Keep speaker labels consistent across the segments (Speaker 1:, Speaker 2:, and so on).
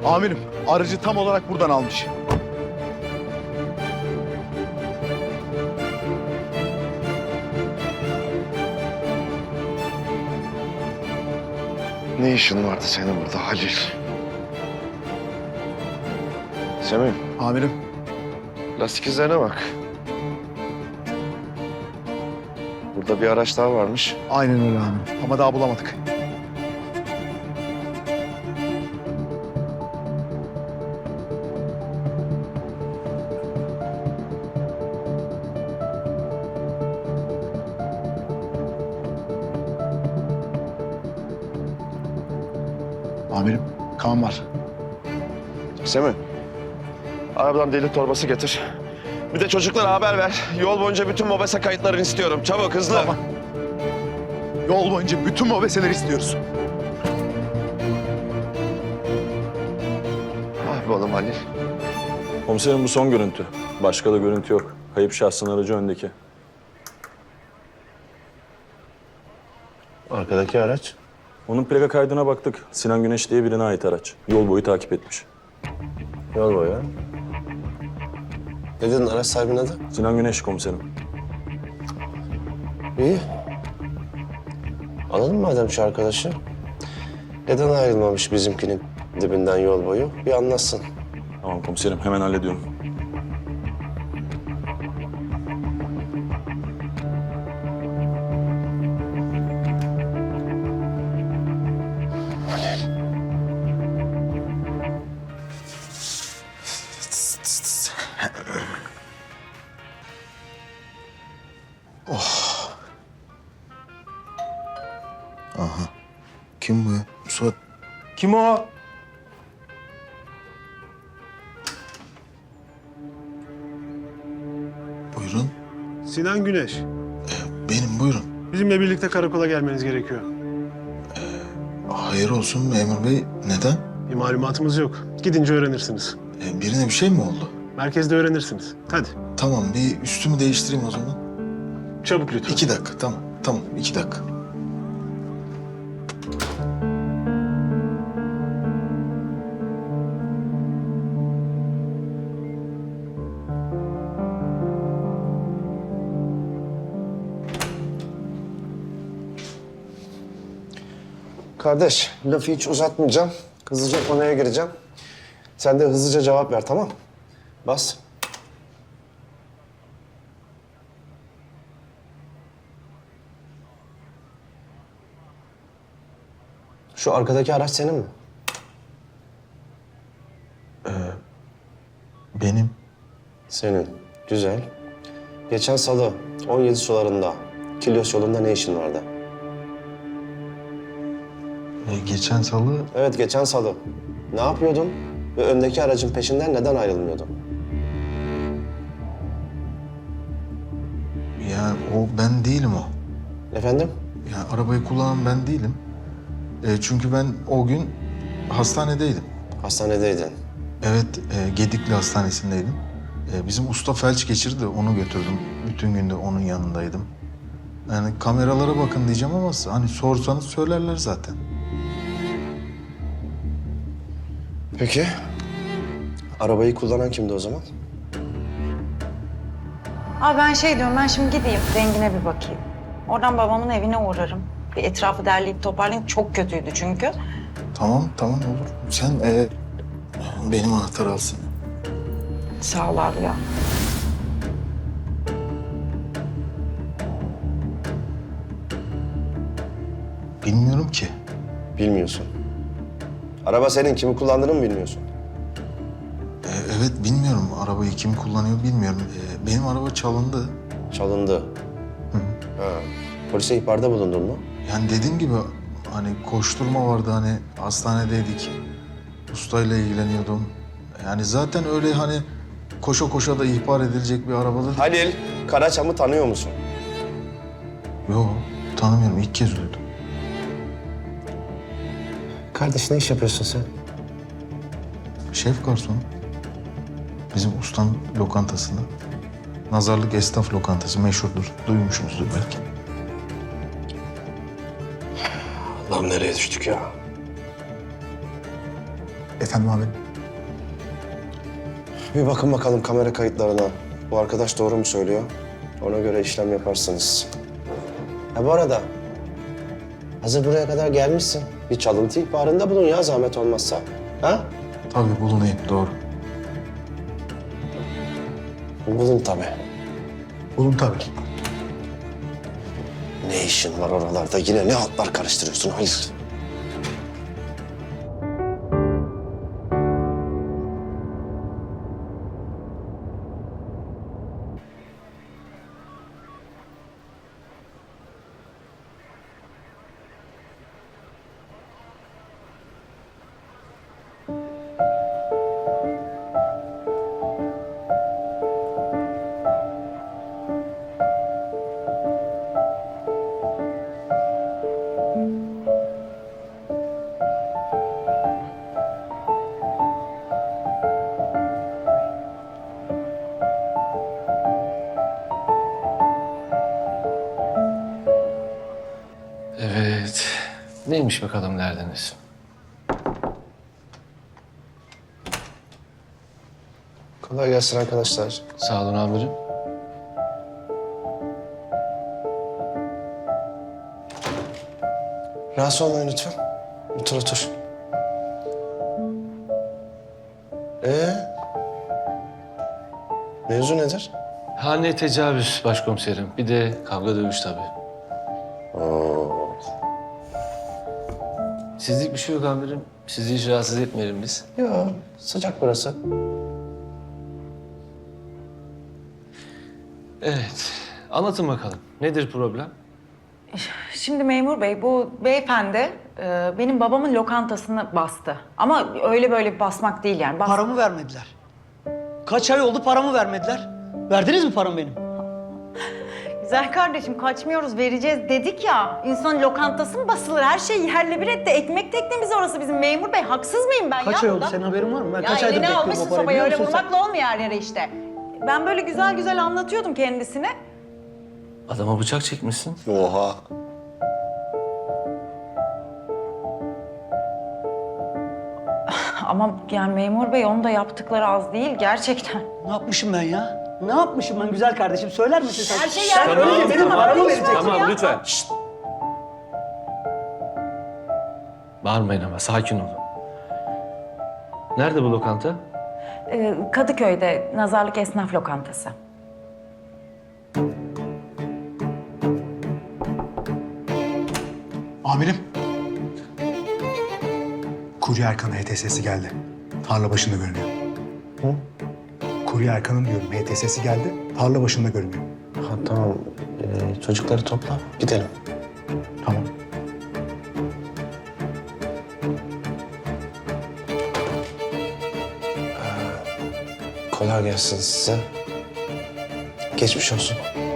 Speaker 1: Amirim, aracı tam olarak buradan almış.
Speaker 2: Ne işin vardı senin burada Halil? Semih,
Speaker 1: Amirim,
Speaker 2: lastik izlerine bak. Burada bir araç daha varmış.
Speaker 1: aynen öyle amirim. Ama daha bulamadık. Amirim, kan var.
Speaker 2: Semih, arabadan deli torbası getir. Bir de çocuklara haber ver. Yol boyunca bütün mobese kayıtlarını istiyorum. Çabuk, hızlı.
Speaker 1: Tamam. Yol boyunca bütün mobeseleri istiyoruz.
Speaker 2: Ah be oğlum Halil.
Speaker 3: Komiserim bu son görüntü. Başka da görüntü yok. Kayıp şahsın aracı öndeki.
Speaker 4: Arkadaki araç.
Speaker 3: Onun plaka kaydına baktık. Sinan Güneş diye birine ait araç. Yol boyu takip etmiş.
Speaker 4: Yol boyu. Ne dedin araç sahibinin adı?
Speaker 3: Sinan Güneş komiserim.
Speaker 4: İyi. Alalım madem şu arkadaşı. Neden ayrılmamış bizimkinin dibinden yol boyu? Bir anlatsın.
Speaker 3: Tamam komiserim, hemen hallediyorum.
Speaker 1: Kim bu ya? Suat.
Speaker 5: Kim o?
Speaker 1: Buyurun.
Speaker 5: Sinan Güneş.
Speaker 1: Benim buyurun.
Speaker 5: Bizimle birlikte karakola gelmeniz gerekiyor.
Speaker 1: Hayır olsun memur bey. Neden?
Speaker 5: Bir malumatımız yok. Gidince öğrenirsiniz.
Speaker 1: Birine bir şey mi oldu?
Speaker 5: Merkezde öğrenirsiniz. Hadi.
Speaker 1: Tamam bir üstümü değiştireyim o zaman.
Speaker 5: Çabuk lütfen.
Speaker 1: 2 dakika tamam. Tamam 2 dakika.
Speaker 4: Kardeş, lafı hiç uzatmayacağım. Hızlıca konuya gireceğim. Sen de hızlıca cevap ver, tamam? Bas. Şu arkadaki araç senin mi?
Speaker 1: Benim.
Speaker 4: Senin. Güzel. Geçen salı 17 sularında Kilyos yolunda ne işin vardı?
Speaker 1: Geçen salı
Speaker 4: Evet, geçen salı. Ne yapıyordun ve öndeki aracın peşinden neden ayrılmıyordun?
Speaker 1: ya o ben değilim o.
Speaker 4: Efendim?
Speaker 1: Ya arabayı kullanan ben değilim. Çünkü ben o gün hastanedeydim.
Speaker 4: Hastanedeydin.
Speaker 1: Evet, Gedikli Hastanesi'ndeydim. Bizim usta felç geçirdi, onu götürdüm. Bütün gün de onun yanındaydım. Yani kameralara bakın diyeceğim ama hani sorsanız söylerler zaten.
Speaker 4: Peki. Arabayı kullanan kimdi o zaman?
Speaker 6: Abi ben şey diyorum, ben şimdi gideyim rengine bir bakayım. Oradan babamın evine uğrarım. Bir etrafı derleyip toparlayayım. Çok kötüydü çünkü.
Speaker 1: Tamam, tamam olur. Sen benim anahtarı alsın.
Speaker 6: Sağ ol abi ya.
Speaker 1: Bilmiyorum ki.
Speaker 4: Bilmiyorsun. Araba senin, kimi kullandığını mı bilmiyorsun?
Speaker 1: Evet, bilmiyorum. Arabayı kim kullanıyor bilmiyorum. Benim araba çalındı.
Speaker 4: Çalındı. Ha. Polise ihbarda bulundun mu?
Speaker 1: Yani dediğim gibi hani koşturma vardı, hani hastanedeydik. Ustayla ilgileniyordum. Yani zaten öyle hani koşa koşa da ihbar edilecek bir arabada değil.
Speaker 4: Halil, Karaçam'ı tanıyor musun?
Speaker 1: Yok, tanımıyorum. İlk kez duydum.
Speaker 4: Kardeş, ne iş yapıyorsun sen?
Speaker 1: Şef garson. Bizim ustanın lokantasında. Nazarlık esnaf lokantası meşhurdur. Duymuşsunuzdur belki.
Speaker 4: Lan nereye düştük ya?
Speaker 7: Efendim amirim?
Speaker 4: Bir bakın bakalım kamera kayıtlarına. Bu arkadaş doğru mu söylüyor? Ona göre işlem yaparsınız. Ha bu arada hazır buraya kadar gelmişsin. Bir çalıntı ihbarında bulun ya zahmet olmazsa. Ha?
Speaker 1: Tabii bulunayım, doğru.
Speaker 4: Bulun tabii.
Speaker 7: Bulun tabii.
Speaker 4: Ne işin var oralarda? Yine ne hatlar karıştırıyorsun Halil?
Speaker 8: Evet. Neymiş bakalım derdiniz?
Speaker 4: Kolay gelsin arkadaşlar.
Speaker 8: Sağ olun amirim.
Speaker 4: Rahatsız olmayın lütfen. Otur otur. Mevzu nedir?
Speaker 8: Hane tecavüz başkomiserim. Bir de kavga dövüş tabii. Sizlik bir şey yok amirim. Sizi hiç rahatsız etmeyelim biz.
Speaker 4: Ya sıcak burası.
Speaker 8: Evet. Anlatın bakalım. Nedir problem?
Speaker 6: Şimdi memur bey, bu beyefendi benim babamın lokantasını bastı. Ama öyle böyle bir basmak değil yani.
Speaker 9: Paramı vermediler. Kaç ay oldu paramı vermediler. Verdiniz mi paramı benim?
Speaker 6: Güzel kardeşim, kaçmıyoruz, vereceğiz dedik ya. İnsan lokantası mı basılır? Her şey yerle bir etti. Ekmek teknemiz orası bizim memur bey. Haksız mıyım ben
Speaker 9: Kaç
Speaker 6: ya?
Speaker 9: ay oldu? Senin haberin var mı? Ben
Speaker 6: Ya
Speaker 9: kaç aydır
Speaker 6: eline
Speaker 9: bekliyorum
Speaker 6: almışsın
Speaker 9: o parayı,
Speaker 6: sobayı,
Speaker 9: biliyor
Speaker 6: öyle
Speaker 9: musun sen?
Speaker 6: vurmakla olmuyor her yere işte. Ben böyle güzel güzel anlatıyordum kendisine.
Speaker 8: Adama bıçak çekmişsin.
Speaker 4: Oha.
Speaker 6: Ama yani memur bey, onun da yaptıkları az değil gerçekten.
Speaker 9: Ne yapmışım ben ya? Ne yapmışım ben güzel kardeşim? Söyler misin sen?
Speaker 6: Her şey
Speaker 9: Sen
Speaker 6: yerle bir
Speaker 9: önce
Speaker 6: etti.
Speaker 9: benim
Speaker 6: Tamam,
Speaker 9: paramı
Speaker 6: tamam,
Speaker 9: vereceksin.
Speaker 8: Tamam
Speaker 6: ya.
Speaker 8: lütfen. Şşt. Bağırmayın ama sakin olun. Nerede bu lokanta?
Speaker 6: Kadıköy'de Nazarlık Esnaf Lokantası.
Speaker 7: Amirim. Kurye Erkan'ın HTS'si geldi. Tarla başında görünüyor.
Speaker 4: Hı?
Speaker 7: Kurye Erkan'ın diyorum HTS'si geldi. Tarla başında görünüyor.
Speaker 4: Ha, tamam. Çocukları topla. Gidelim.
Speaker 7: Tamam.
Speaker 4: Kolay gelsin size. Geçmiş olsun.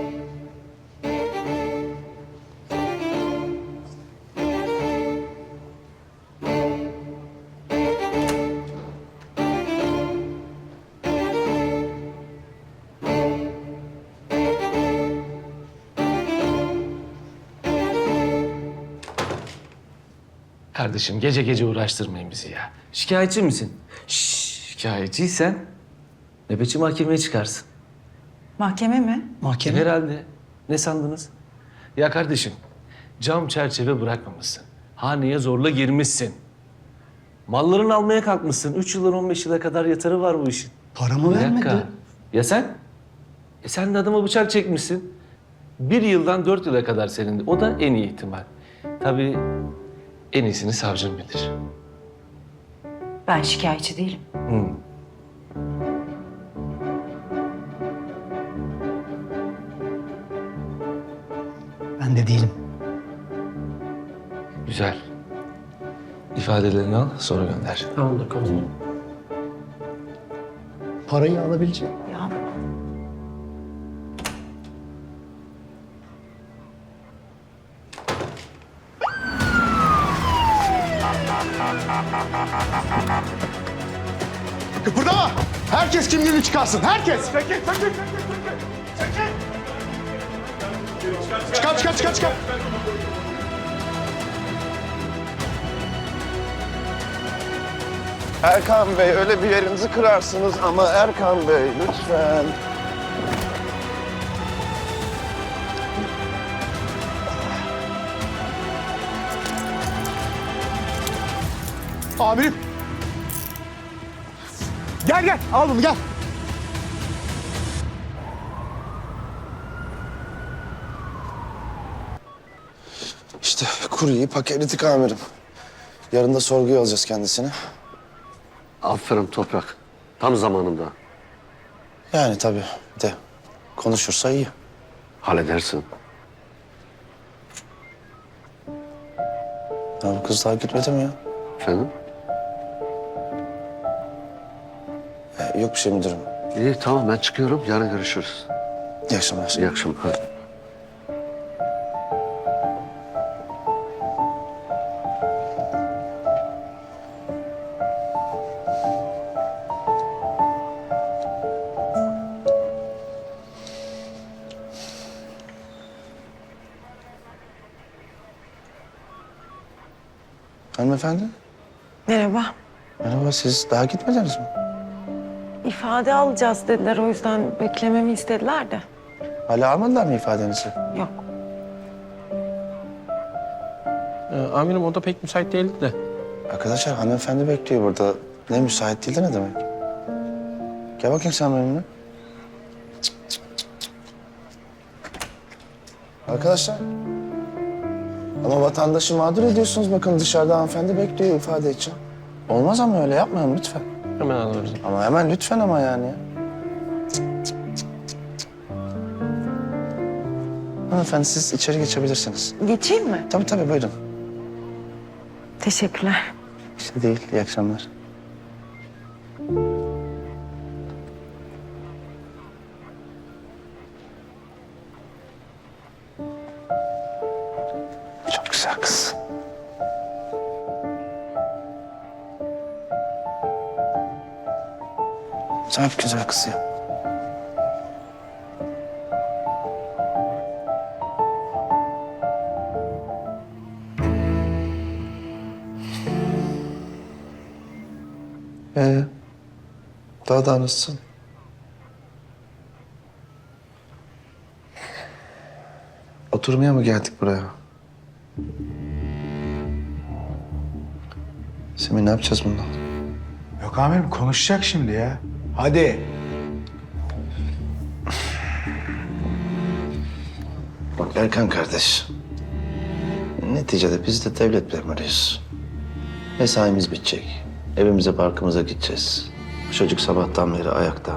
Speaker 8: Kardeşim gece gece uğraştırmayın bizi ya. Şikayetçi misin? Şikayetçiysen nöbetçi mahkemeye çıkarsın.
Speaker 6: Mahkeme mi?
Speaker 9: Mahkeme.
Speaker 8: Herhalde. Ne sandınız? Ya kardeşim, cam çerçeve bırakmamışsın. Haneye zorla girmişsin. Mallarını almaya kalkmışsın. 3 yıldan 15 yıla kadar yatarı var bu işin.
Speaker 9: Paramı
Speaker 8: Bir
Speaker 9: vermedi.
Speaker 8: dakika. Ya sen? Sen de adama bıçak çekmişsin. 1 yıldan 4 yıla kadar senin de. O da en iyi ihtimal. Tabii en iyisini savcım bilir.
Speaker 6: Ben şikayetçi değilim.
Speaker 8: Hı.
Speaker 9: Ben de değilim.
Speaker 8: Güzel. İfadelerini al, sonra gönder.
Speaker 9: Tamamdır komutanım. Parayı alabilecek.
Speaker 6: Ya
Speaker 7: Kıpırdama! Herkes kimliğini çıkarsın. Herkes! Çıkar.
Speaker 2: Erkan Bey öyle bir yerinizi kırarsınız ama Erkan Bey lütfen.
Speaker 7: Amirim. Gel gel al bunu gel.
Speaker 4: İşte kuryeyi paketledik amirim. Yarın da sorguya alacağız kendisini.
Speaker 10: Aferin Toprak. Tam zamanında.
Speaker 4: Yani tabii de konuşursa iyi.
Speaker 10: Halledersin.
Speaker 4: Ya bu kız daha gitmedi mi ya?
Speaker 10: Efendim?
Speaker 4: Yok bir şey müdürüm.
Speaker 10: İyi tamam ben çıkıyorum. Yarın görüşürüz.
Speaker 4: İyi akşamlar.
Speaker 10: İyi akşamlar. Hadi.
Speaker 4: Hanımefendi.
Speaker 11: Merhaba.
Speaker 4: Merhaba, siz daha gitmediniz mi?
Speaker 11: İfade alacağız dediler, o yüzden beklememi istediler de.
Speaker 4: Hala almadılar mı ifadenizi?
Speaker 11: Yok.
Speaker 9: Amirim o da pek müsait değildi de.
Speaker 4: Arkadaşlar hanımefendi bekliyor burada. Ne müsait değil de ne demek? Gel bakayım sen benimle. Cık, cık, cık, cık. Arkadaşlar. Ama vatandaşı mağdur ediyorsunuz. Bakın dışarıda hanımefendi bekliyor ifade için. Olmaz ama öyle yapmayalım lütfen.
Speaker 9: Hemen alırız.
Speaker 4: Ama hemen lütfen ama yani. Cık, cık, cık, cık, cık. Hanımefendi siz içeri geçebilirsiniz.
Speaker 11: Geçeyim mi?
Speaker 4: Tabii tabii buyurun.
Speaker 11: Teşekkürler.
Speaker 4: İşte değil. İyi akşamlar. Çok güzel kız. Çok güzel kız ya. Daha da nasılsın? Oturmaya mı geldik buraya? Semih ne yapacağız bundan?
Speaker 7: Yok amirim konuşacak şimdi ya. Hadi.
Speaker 4: Bak Erkan kardeş. Neticede biz de devlet memuruyuz. Mesaimiz bitecek. Evimize barkımıza gideceğiz. Çocuk sabahtan beri ayakta.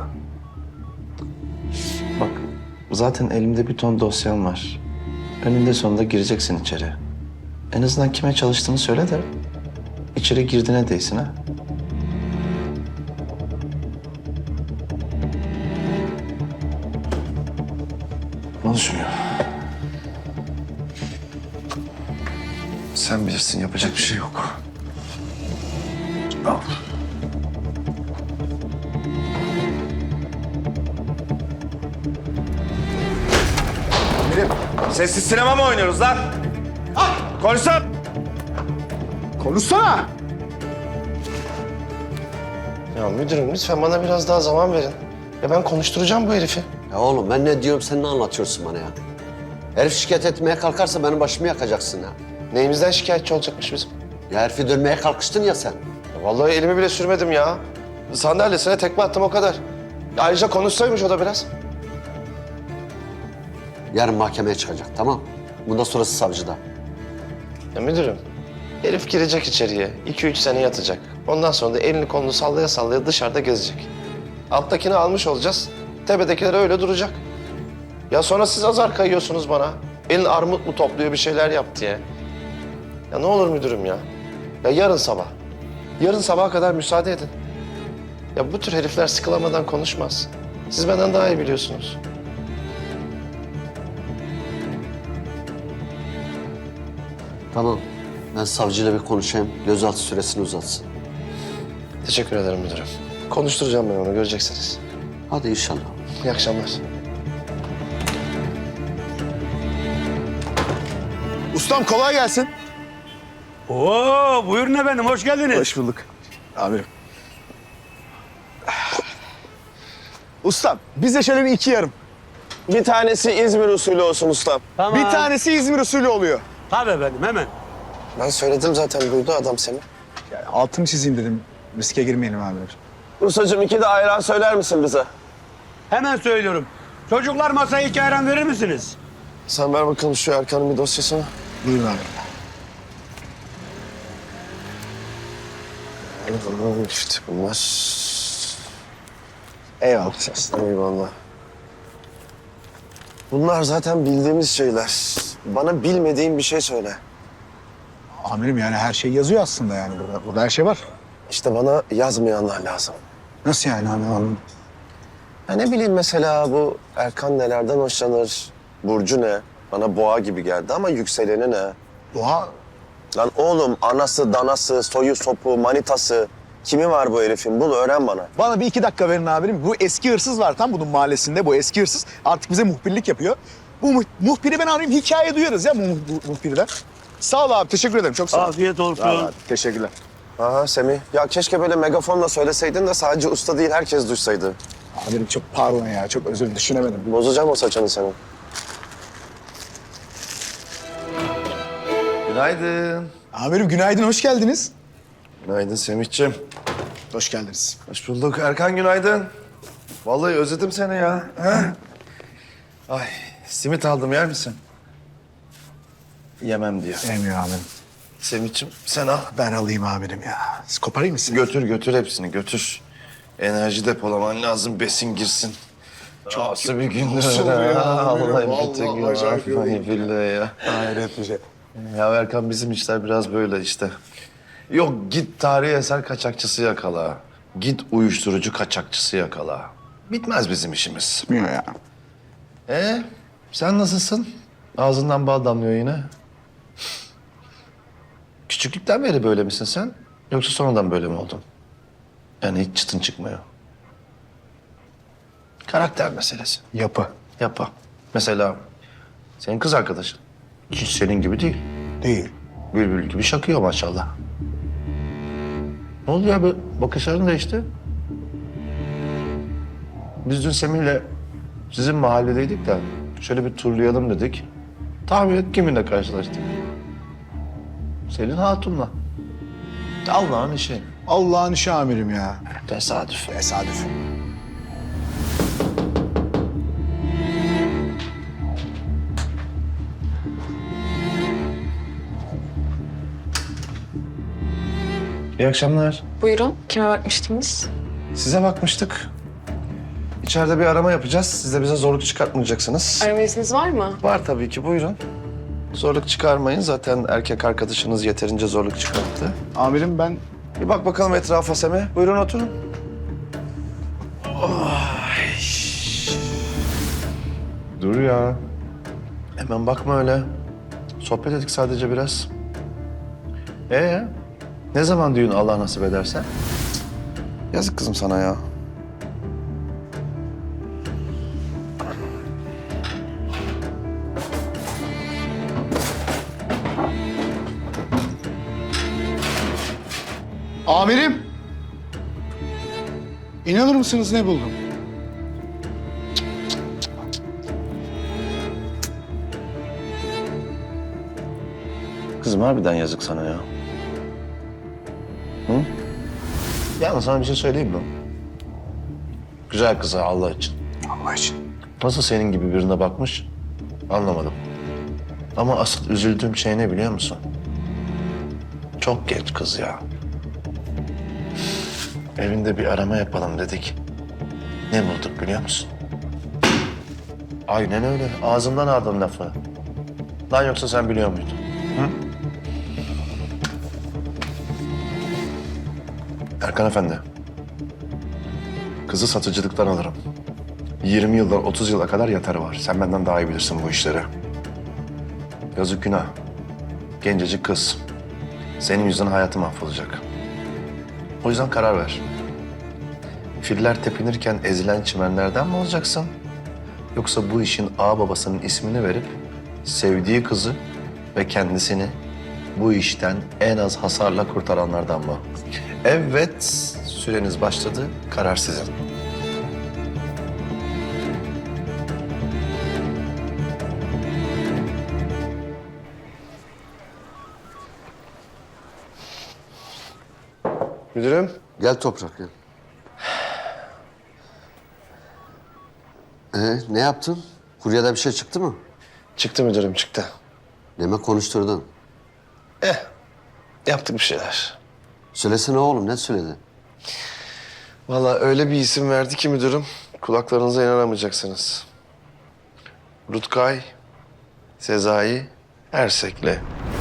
Speaker 4: Bak zaten elimde bir ton dosyam var. Önünde sonunda gireceksin içeri. En azından kime çalıştığını söyle de içeri girdiğine değsin ha. Konuşmuyor. Sen bilirsin yapacak bir şey yok. Al.
Speaker 2: Sessiz sinema mı oynuyoruz lan? Konuşsana.
Speaker 7: Konuşsana.
Speaker 4: Ya müdürüm lütfen bana biraz daha zaman verin. Ya ben konuşturacağım bu herifi.
Speaker 10: Ya oğlum ben ne diyorum sen ne anlatıyorsun bana ya? Herif şikayet etmeye kalkarsa benim başımı yakacaksın ya.
Speaker 4: Neyimizden şikayetçi olacakmış bizim?
Speaker 10: Ya herifi dönmeye kalkıştın ya sen.
Speaker 4: Ya vallahi elimi bile sürmedim ya. Sandalyesine tekme attım o kadar. Ayrıca konuşsaymış o da biraz.
Speaker 10: Yarın mahkemeye çıkacak tamam. Bundan sonrası savcıda.
Speaker 4: Ya müdürüm, herif girecek içeriye. 2-3 sene yatacak. Ondan sonra da elini kolunu sallaya sallaya dışarıda gezecek. Alttakini almış olacağız. Tepedekiler öyle duracak. Ya sonra siz azar kayıyorsunuz bana. Elin armut mu topluyor bir şeyler yap diye. Ya ne olur müdürüm ya. Ya yarın sabah. Yarın sabaha kadar müsaade edin. Ya bu tür herifler sıkılamadan konuşmaz. Siz benden daha iyi biliyorsunuz.
Speaker 10: Tamam. Ben savcıyla bir konuşayım. Gözaltı süresini uzatsın.
Speaker 4: Teşekkür ederim müdürüm. Konuşturacağım ben onu, göreceksiniz.
Speaker 10: Hadi inşallah.
Speaker 4: İyi akşamlar.
Speaker 7: Ustam kolay gelsin.
Speaker 12: Oo, buyurun efendim, hoş geldiniz.
Speaker 7: Hoş bulduk. Amirim.
Speaker 12: Ustam bize şöyle bir 2 yarım.
Speaker 2: Bir tanesi İzmir usulü olsun ustam.
Speaker 12: Bir tanesi İzmir usulü oluyor.
Speaker 9: Tabii efendim hemen.
Speaker 4: Ben söyledim zaten, duydu adam seni.
Speaker 7: Yani altını çizeyim dedim. Riske girmeyelim amirim.
Speaker 2: Ustacığım 2 de ayran söyler misin bize?
Speaker 9: Hemen söylüyorum. Çocuklar masaya 2 ayran verir misiniz?
Speaker 2: Sen ver bakalım şu Erkan'ın bir dosyasını.
Speaker 7: Buyurun amirim.
Speaker 2: İşte bunlar.
Speaker 4: Eyvallah.
Speaker 2: Eyvallah. Bunlar zaten bildiğimiz şeyler. Bana bilmediğin bir şey söyle.
Speaker 7: Amirim yani her şey yazıyor aslında yani burada. Burada her şey var.
Speaker 2: İşte bana yazmayanlar lazım.
Speaker 7: Nasıl yani amirim?
Speaker 2: Ya ne bileyim mesela bu Erkan nelerden hoşlanır? Burcu ne? Bana boğa gibi geldi ama yükseleni ne?
Speaker 7: Doğa
Speaker 2: Lan oğlum anası, danası, soyu, sopu, manitası. Kimi var bu herifin? Bul öğren bana.
Speaker 12: Bana bir 2 dakika verin amirim. Bu eski hırsız var tam bunun mahallesinde. Bu eski hırsız artık bize muhbirlik yapıyor. Bu muhbiri ben arayayım, hikaye duyarız ya bu muhbirden. Sağ ol abi, teşekkür ederim. Çok sağ ol.
Speaker 9: Afiyet olsun.
Speaker 12: Sağ ol abi, teşekkürler.
Speaker 2: Aha Semih. Ya keşke böyle megafonla söyleseydin de sadece usta değil herkes duysaydı.
Speaker 7: amirim çok pardon ya. Çok özür düşünemedim.
Speaker 2: Bozacağım o saçını senin. Günaydın.
Speaker 12: Amirim günaydın, hoş geldiniz.
Speaker 2: Günaydın Semih'ciğim.
Speaker 12: Hoş geldiniz.
Speaker 2: Hoş bulduk. Erkan günaydın. Vallahi özledim seni ya. Ha? Ay simit aldım yer misin? Yemem diyor.
Speaker 7: Emiyor amirim.
Speaker 2: Semih'ciğim sen al.
Speaker 7: Ben alayım amirim ya. Siz koparayım mı sizi?
Speaker 2: Götür hepsini götür. Enerji depolaman lazım, besin girsin. Nasıl bir gündü öyle ya. Vallahi bütün gün vallahi billahi ya.
Speaker 7: Hayret bir şey.
Speaker 2: Ya Erkan bizim işler biraz böyle işte. Yok git tarihi eser kaçakçısı yakala. Git uyuşturucu kaçakçısı yakala. Bitmez bizim işimiz.
Speaker 7: Bilmiyor ya.
Speaker 2: Sen nasılsın? Ağzından bal damlıyor yine. Küçüklükten beri böyle misin sen? Yoksa sonradan böyle mi oldun? Yani hiç çıtın çıkmıyor. Karakter meselesi.
Speaker 7: Yapı.
Speaker 2: Yapma. Mesela senin kız arkadaşın. Hiç senin gibi değil.
Speaker 7: Değil.
Speaker 2: Bülbül gibi şakıyor maşallah. Ne oldu ya? Bakışların değişti. Biz dün Semih'le sizin mahalledeydik de şöyle bir turlayalım dedik. Tahmin et kiminle karşılaştık? Selin Hatun'la. Allah'ın işi.
Speaker 7: Allah'ın işi amirim ya.
Speaker 2: Tesadüf.
Speaker 7: Tesadüf.
Speaker 2: İyi akşamlar.
Speaker 11: Buyurun, kime bakmıştınız?
Speaker 2: Size bakmıştık. İçeride bir arama yapacağız. Siz de bize zorluk çıkartmayacaksınız.
Speaker 11: Arama izniniz var mı?
Speaker 2: Var tabii ki, buyurun. Zorluk çıkarmayın. Zaten erkek arkadaşınız yeterince zorluk çıkarttı.
Speaker 7: Amirim ben
Speaker 2: Bir bak bakalım etrafa Semih. Buyurun oturun. Dur ya. Hemen bakma öyle. Sohbet ettik sadece biraz. Ne zaman düğün Allah nasip ederse? Yazık kızım sana ya.
Speaker 7: Amirim! İnanır mısınız ne buldum?
Speaker 2: Kızım harbiden yazık sana ya. Hı? Yalnız sana bir şey söyleyeyim mi? Güzel kıza Allah için.
Speaker 7: Allah için.
Speaker 2: Nasıl senin gibi birine bakmış anlamadım. Ama asıl üzüldüğüm şey ne biliyor musun? Çok genç kız ya. Evinde bir arama yapalım dedik. Ne bulduk biliyor musun? Aynen öyle. Ağzımdan aldın lafı. Lan yoksa sen biliyor muydun? Hı? Erkan Efendi. Kızı satıcılıktan alırım. 20 yıldan 30 yıla kadar yatarı var. Sen benden daha iyi bilirsin bu işleri. Yazık günah. Gencecik kız. Senin yüzünden hayatı mahvolacak. O yüzden karar ver. Filler tepinirken ezilen çimenlerden mi olacaksın? Yoksa bu işin ağa babasının ismini verip sevdiği kızı ve kendisini bu işten en az hasarla kurtaranlardan mı? Evet, süreniz başladı. Karar sizin.
Speaker 4: Müdürüm.
Speaker 10: Gel Toprak gel. Ne yaptın? Kuryede bir şey çıktı mı?
Speaker 4: Çıktı müdürüm, çıktı.
Speaker 10: Demek konuşturdun.
Speaker 4: Yaptık bir şeyler.
Speaker 10: Söylesene oğlum, ne söyledin?
Speaker 4: Vallahi öyle bir isim verdi ki müdürüm, kulaklarınıza inanamayacaksınız. Rutkay, Sezai, Ersek'le.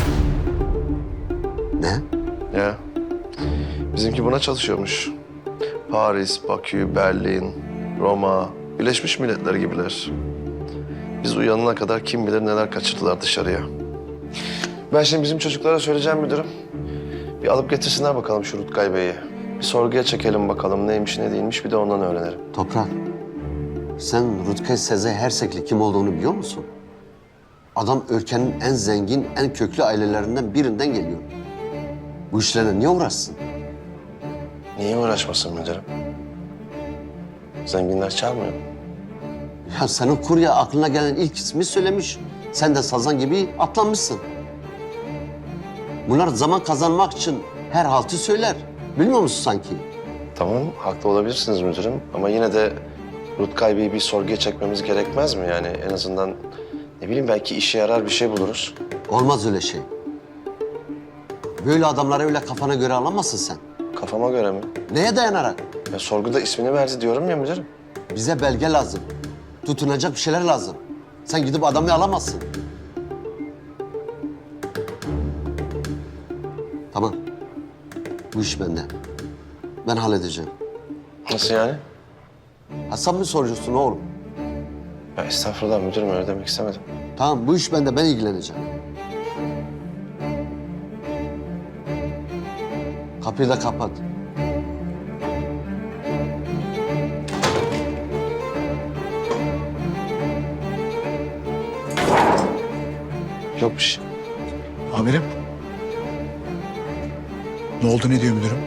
Speaker 10: Ne?
Speaker 4: Ya. Bizimki buna çalışıyormuş. Paris, Bakü, Berlin, Roma, Birleşmiş Milletler gibiler. Biz uyanana kadar kim bilir neler kaçırdılar dışarıya. Ben şimdi bizim çocuklara söyleyeceğim müdürüm. Bir alıp getirsinler bakalım şu Rutkay Bey'i. Bir sorguya çekelim bakalım neymiş ne değilmiş bir de ondan öğrenelim.
Speaker 10: Toprak, sen Rutkay Sezai Hersekli kim olduğunu biliyor musun? Adam ülkenin en zengin, en köklü ailelerinden birinden geliyor. Bu işlerle niye uğraşsın?
Speaker 4: Niye uğraşmasın müdürüm? Zenginler çalmıyor.
Speaker 10: Ya senin kurye aklına gelen ilk ismi söylemiş. Sen de sazan gibi atlanmışsın. Bunlar zaman kazanmak için her haltı söyler. Bilmiyor musun sanki?
Speaker 4: Tamam, haklı olabilirsiniz müdürüm. Ama yine de Rutkay Bey'i bir sorguya çekmemiz gerekmez mi? Yani en azından ne bileyim belki işe yarar bir şey buluruz.
Speaker 10: Olmaz öyle şey. Böyle adamları öyle kafana göre alamazsın sen.
Speaker 4: Kafama göre mi?
Speaker 10: Neye dayanarak?
Speaker 4: Ya sorguda ismini verdi diyorum ya müdürüm.
Speaker 10: Bize belge lazım. Tutunacak bir şeyler lazım. Sen gidip adamı alamazsın. Tamam. Bu iş bende. Ben halledeceğim.
Speaker 4: Nasıl yani?
Speaker 10: Ha sen mi soruyorsun oğlum?
Speaker 4: Ya estağfurullah müdürüm öyle demek istemedim.
Speaker 10: Tamam bu iş bende. Ben ilgileneceğim. Kapıyı da kapat.
Speaker 4: Yok bir şey.
Speaker 7: Amirim. Ne oldu, ne diyor müdürüm?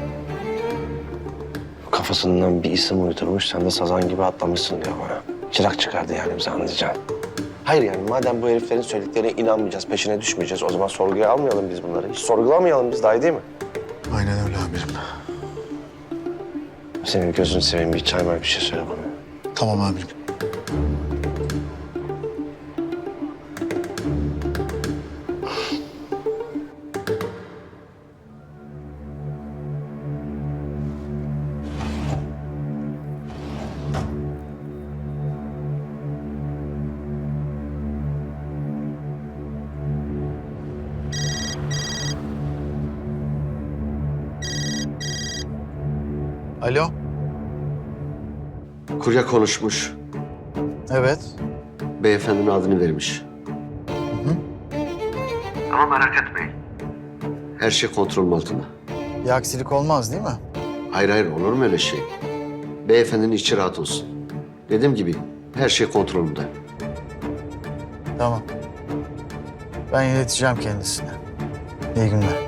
Speaker 4: Kafasından bir isim uydurmuş, sen de sazan gibi atlamışsın diyor bana. Çırak çıkardı yani bize anlayacaksın. Hayır yani madem bu heriflerin söylediklerine inanmayacağız, peşine düşmeyeceğiz, o zaman sorguya almayalım biz bunları. Hiç sorgulamayalım biz, daha iyi değil mi?
Speaker 7: Aynen öyle amirim.
Speaker 4: Senin gözünü seveyim, bir çay var bir şey söyle bana.
Speaker 7: Tamam amirim. Alo.
Speaker 10: Kurye konuşmuş.
Speaker 7: Evet.
Speaker 10: Beyefendinin adını vermiş. Ama merak etmeyin. Her şey kontrolüm altında.
Speaker 7: Bir aksilik olmaz değil mi?
Speaker 10: Hayır hayır olur mu öyle şey? Beyefendinin içi rahat olsun. Dediğim gibi her şey kontrolümde.
Speaker 7: Tamam. Ben ileteceğim kendisine. İyi günler.